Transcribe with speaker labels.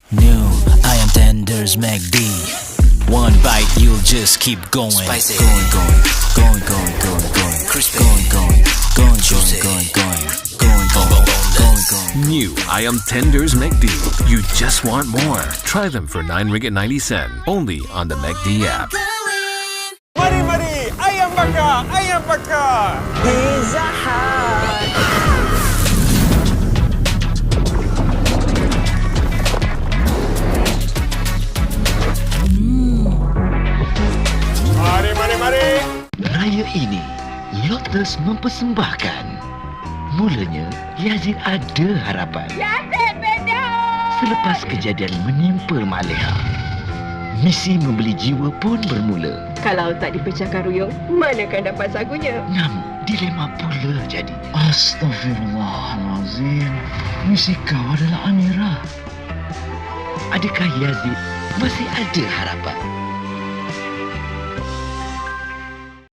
Speaker 1: New ayam tenders McD. One bite, you'll just keep going.
Speaker 2: Spicy.
Speaker 1: Going.
Speaker 2: Crispy.
Speaker 1: Going.
Speaker 2: Juicy.
Speaker 1: Going.
Speaker 3: New Ayam Tenders McD. You just want more. Try them for 9 ringgit 90 sen. Only on the McD app.
Speaker 4: Mari, ayam bakar.
Speaker 5: Pizza Hut.
Speaker 4: Mari.
Speaker 6: Raya ini, Lotus mempersembahkan. Mulanya, Yazid ada harapan.
Speaker 5: Yazid beda.
Speaker 6: Selepas kejadian menimpa Maleha, misi membeli jiwa pun bermula.
Speaker 5: Kalau tak dipecahkan ruyung, manakan dapat sagunya?
Speaker 6: Namun, dilema pula jadi.
Speaker 7: Astaghfirullahalazim. Misi kau adalah Amira.
Speaker 6: Adakah Yazid masih ada harapan?